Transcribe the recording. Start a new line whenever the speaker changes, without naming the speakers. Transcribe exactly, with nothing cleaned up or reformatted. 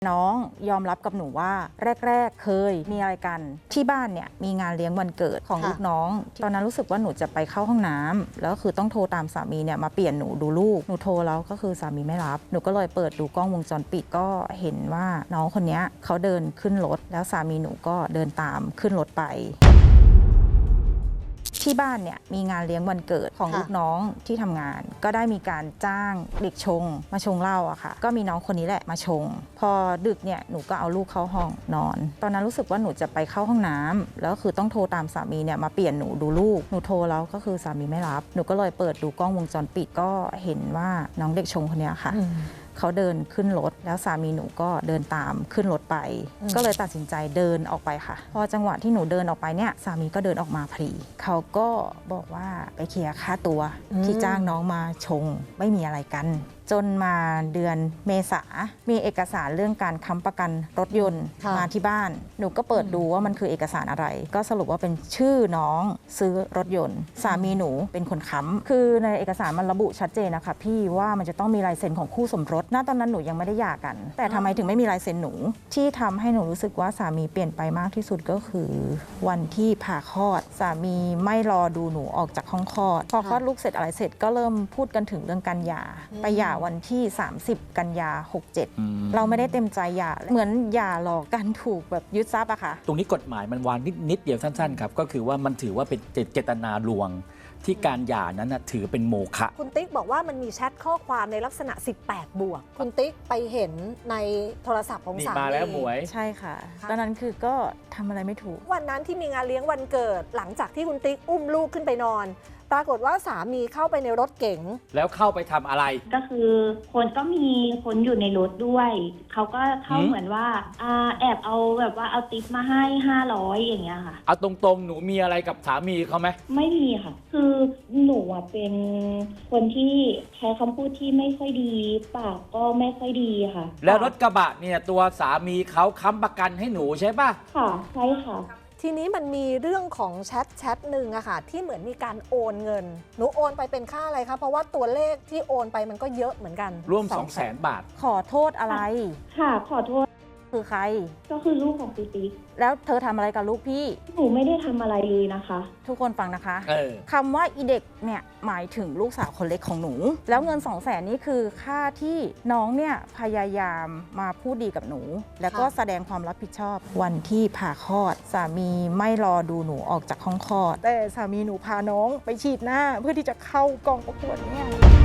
น้องยอมรับกับหนูว่าแรกๆเคยมีอะไรกันที่บ้านเนี่ยมีงานเลี้ยงวันเกิดของลูกน้องตอนนั้นรู้สึกว่าหนูจะไปเข้าห้องน้ำแล้วคือต้องโทรตามสามีเนี่ยมาเปลี่ยนหนูดูลูกหนูโทรแล้วก็คือสามีไม่รับหนูก็เลยเปิดดูกล้องวงจรปิดก็เห็นว่าน้องคนนี้เขาเดินขึ้นรถแล้วสามีหนูก็เดินตามขึ้นรถไปที่บ้านเนี่ยมีงานเลี้ยงวันเกิดของลูกน้องที่ทำงานก็ได้มีการจ้างเด็กชงมาชงเหล้าอะค่ะก็มีน้องคนนี้แหละมาชงพอดึกเนี่ยหนูก็เอาลูกเข้าห้องนอนตอนนั้นรู้สึกว่าหนูจะไปเข้าห้องน้ำแล้วคือต้องโทรตามสามีเนี่ยมาเปลี่ยนหนูดูลูกหนูโทรแล้วก็คือสามีไม่รับหนูก็เลยเปิดดูกล้องวงจรปิดก็เห็นว่าน้องเด็กชงคนนี้ค่ะเขาเดินขึ้นรถแล้วสามีหนูก็เดินตามขึ้นรถไปก็เลยตัดสินใจเดินออกไปค่ะพอจังหวะที่หนูเดินออกไปเนี่ยสามีก็เดินออกมาพอดีเขาก็บอกว่าไปเคลียร์ค่าตัวที่จ้างน้องมาชงไม่มีอะไรกันจนมาเดือนเมษามีเอกสารเรื่องการค้ำประกันรถยนต์มาที่บ้านหนูก็เปิดดูว่ามันคือเอกสารอะไรก็สรุปว่าเป็นชื่อน้องซื้อรถยนต์สามีหนูเป็นคนค้ำคือในเอกสารมันระบุชัดเจนนะคะพี่ว่ามันจะต้องมีลายเซ็นของคู่สมรสณตอนนั้นหนูยังไม่ได้หย่ากันแต่ทำไมถึงไม่มีลายเซ็นหนูที่ทำให้หนูรู้สึกว่าสามีเปลี่ยนไปมากที่สุดก็คือวันที่ผ่าคลอดสามีไม่รอดูหนูออกจากห้องคลอดพอคลอดลูกเสร็จอะไรเสร็จก็เริ่มพูดกันถึงเรื่องการหย่าไปหย่าวันที่สามสิบกันยาหกเจ็ดเราไม่ได้เต็มใจหย่าเหมือนหย่าหลอกกันถูกแบบยึดทรัพย์อะค่ะ
ตรงนี้กฎหมายมันวางนิดนิดเดียวสั้นๆครับก็คือว่ามันถือว่าเป็นเจตนาลวงที่การหย่านั้นถือเป็นโมฆะ
คุณติ๊กบอกว่ามันมีแชทข้อความในลักษณะสิบแปดบวกคุณติ๊กไปเห็นในโทรศัพท์ของสามี
มาแล้วหมวย
ใช่ค่ะตอนนั้นคือก็ทำอะไรไม่ถูก
วันนั้นที่มีงานเลี้ยงวันเกิดหลังจากที่คุณติ๊กอุ้มลูกขึ้นไปนอนปรากฏว่าสามีเข้าไปในรถเก๋ง
แล้วเข้าไปทำอะไร
ก็คือคนก็มีคนอยู่ในรถด้วยเขาก็เข้าเหมือนว่าอ่าแอบเอาแบบว่าเอาติ๊บมาให้ห้าร้อยอย่างเงี้ยค่ะ
เอาตรงๆหนูมีอะไรกับสามีเขาไหม
ไม่มีค่ะคือหนูอ่ะเป็นคนที่ใช้คำพูดที่ไม่ค่อยดีปากก็ไม่ค่อยดีค่ะ
แล้วรถกระบะเนี่ยตัวสามีเขาค้ำประกันให้หนูใช่ป่ะ
ค่ะใช่ค่ะ
ทีนี้มันมีเรื่องของแชทแชทหนึ่งอะค่ะที่เหมือนมีการโอนเงินหนูโอนไปเป็นค่าอะไรคะเพราะว่าตัวเลขที่โอนไปมันก็เยอะเหมือนกัน
ร่วม สองแสน บาท
ขอโทษอะไร
ค่ะขอโทษ
คือใคร
ก็คือลูกของติ๊ก
แล้วเธอทำอะไรกับลูกพี่
หนูไม่ได้ทำอะไรเลยนะคะ
ทุกคนฟังนะคะ
ค
ำว่าอีเด็กเนี่ยหมายถึงลูกสาวคนเล็กของหนูแล้วเงิน สองแสน นี้คือค่าที่น้องเนี่ยพยายามมาพูดดีกับหนูแล้วก็แสดงความรับผิดชอบวันที่ผ่าคลอดสามีไม่รอดูหนูออกจากห้องคลอดแต่สามีหนูพาน้องไปฉีดหน้าเพื่อที่จะเข้ากองประกวดเนี่ย